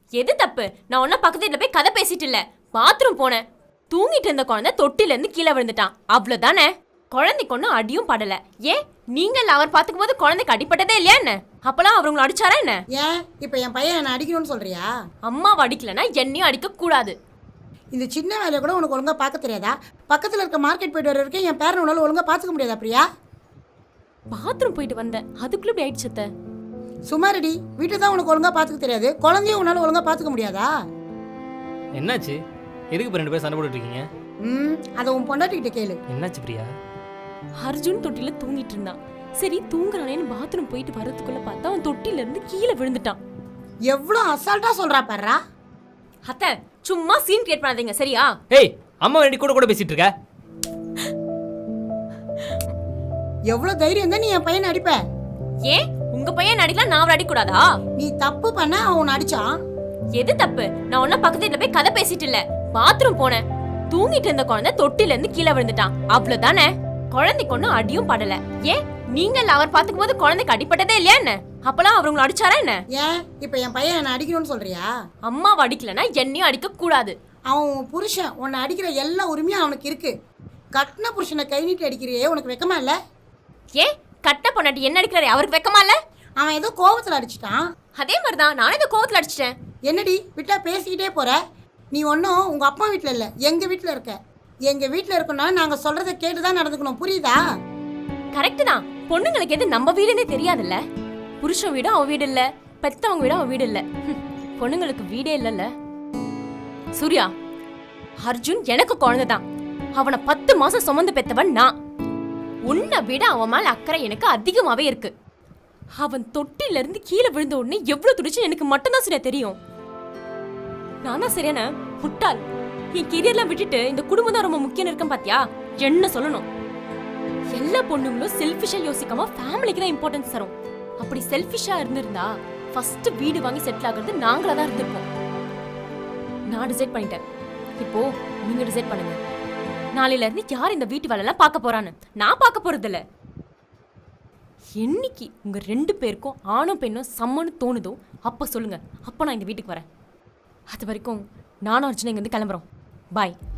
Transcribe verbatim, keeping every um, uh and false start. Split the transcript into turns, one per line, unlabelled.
எது தப்பு? நான் ஒன்னும் பக்கத்து வீட்டுல போய் கதை பேசிட்டு இல்ல, பாத்ரூம் போனேன். தூங்கிட்டு இருந்த குழந்தை தொட்டில இருந்து கீழே விழுந்துட்டான், அவ்வளவுதானே. குழந்தைக்கு ஒன்னும் அடியும் படல. ஏன் நீங்க அவர் பாத்துக்கும் போது குழந்தைக்கு அடிப்பட்டதே இல்லையா என்ன? அப்பெல்லாம் அவர் உங்களை அடிச்சாரா என்ன?
ஏன் இப்ப என் பையன் என்ன அடிக்கணும்னு சொல்றியா?
அம்மாவை அடிக்கலன்னா என்னையும் அடிக்க கூடாது.
இந்த சின்ன வேலையை கூட உனக்கு ஒழுங்கா பார்க்க தெரியாதா? பக்கத்துல இருக்க மார்க்கெட் போயிட்டு வர வரைக்கும் என் பேரன் உன்னால ஒழுங்கா பாத்துக்க முடியாதா பிரியா?
பாத்ரூம் போயிட்டு வந்தேன், அதுக்குள்ள இப்படி ஆயிடுச்சு அத்தை.
சுமாரடி, வீட்டை தான் உனக்கு ஒழுங்கா பாத்துக்க தெரியாது, குழந்தையும் உன்னால ஒழுங்கா பாத்துக்க முடியாதா?
என்னாச்சு? எதுக்கு இப்போ ரெண்டு பேரும் சண்டை போட்டுட்டு இருக்கீங்க?
ம் அதை உன் பொண்டாட்டிக்கிட்ட கேளு.
என்னாச்சு பிரியா?
அர்ஜுன் தொட்டில தூங்கிட்டு இருந்தான். சரி தூங்குறானேன்னு பாத்ரூம் போயிட்டு வரதுக்குள்ள பார்த்தா அவன் தொட்டில இருந்து கீழே விழுந்துட்டான்.
எவ்வளோ அசால்ட்டா சொல்றா பாருடா.
அத்தை சும்மா சீன் கிரியேட் பண்ணாதீங்க சரியா?
ஏய், அம்மா வேண்டி கூட கூட பேசிட்டு இருக்க.
எவ்வளோ தைரியம் தான் நீ என் பையனை அடிப்ப?
ஏன் உங்க பையன் அடிக்கலாம், நான் அவரை அடிக்க கூடாதா?
நீ தப்பு பண்ண அவன் உன்னை அடிச்சான்.
எது தப்பு? நான் ஒன்னும் பக்கத்து வீட்டுல போய் கதை பேசிட்டு இல்ல, பாத்ரூம் போனேன். தூங்கிட்டு இருந்த குழந்தை தொட்டில இருந்து கீழே விழுந்துட்டான், அவ்வளவுதானே. குழந்தைக்கு ஒன்னும் அடியும் படல. ஏன் நீங்க அவர் பாத்துக்கும் போது குழந்தைக்கு அடிப்பட்டதே இல்லையா என்ன? அப்பெல்லாம் அவர் உங்களை அடிச்சாரா என்ன?
ஏன் இப்ப என் பையன் என்ன அடிக்கணும்னு சொல்றியா?
அம்மாவை அடிக்கலன்னா என்னையும் அடிக்க கூடாது.
அவன் உன் புருஷன், உன்னை அடிக்கிற எல்லா உரிமையும் அவனுக்கு இருக்கு. கட்டின புருஷனை கை நீட்டி அடிக்கிறியே, உனக்கு வெக்கமா இல்ல?
ஏன் கட்ட பொண்டாட்டி என்ன அடிக்கிறாரு, அவருக்கு வெக்கமா இல்ல?
அவன் ஏதோ கோபத்துல அடிச்சிட்டான்.
அதே மாதிரிதான் நானும் இந்த கோவத்துல அடிச்சிட்டேன்.
என்னடி விட்டா பேசிக்கிட்டே போற? நீ ஒன்றும் உங்க அப்பா வீட்டில் இல்லை, எங்க வீட்டில் இருக்க. எங்க வீட்டில் இருக்கணும்னா நாங்க சொல்றதை கேட்டுதான் நடந்துக்கணும், புரியுதா?
கரெக்ட் தான். பொண்ணுங்களுக்கு எது நம்ம வீடுன்னே தெரியாதுல்ல. புருஷன் வீடு அவன் வீடு இல்ல, பெத்தவங்க வீடு அவன் வீடு இல்ல. பொண்ணுங்களுக்கு வீடே இல்லல்ல. சூர்யா, அர்ஜுன் எனக்கு குழந்தைதான். அவனை பத்து மாசம் சுமந்து பெத்தவன் நான். உன்னை விட அவன் மேல அக்கறை எனக்கு அதிகமாவே இருக்கு. அவன் தொட்டில இருந்து கீழே விழுந்த உடனே எவ்வளவு துடிச்சு எனக்கு மட்டும்தான் சரியா தெரியும். நான் தான் சரியான முட்டாள். என் கெரியர்லாம் விட்டுட்டு இந்த குடும்பம் தான் ரொம்ப முக்கியம் இருக்கேன் பாத்தியா? என்ன சொல்லணும்? எல்லா பொண்ணுங்களும் செல்ஃபிஷா யோசிக்காம ஃபேமிலிக்கு தான் இம்பார்ட்டன்ஸ் தரும். அப்படி செல்ஃபிஷா இருந்திருந்தா ஃபர்ஸ்ட் வீடு வாங்கி செட்டில் ஆகிறது நாங்களா தான் இருந்திருப்போம். நான் டிசைட் பண்ணிட்டேன், இப்போ நீங்க டிசைட் பண்ணுங்க. நாளையில இருந்து யார் இந்த வீட்டு வேலை எல்லாம் பார்க்க போறான்னு? நான் பார்க்க போறது இல்ல. என்னைக்கு உங்க ரெண்டு பேருக்கும் ஆணும் பெண்ணும் சம்மன்னு தோணுதோ அப்ப சொல்லுங்க, அப்ப நான் இந்த வீட்டுக்கு வரேன். அது வரைக்கும் நானும் அர்ஜுனா இங்க இருந்து கிளம்புறோம். பாய்.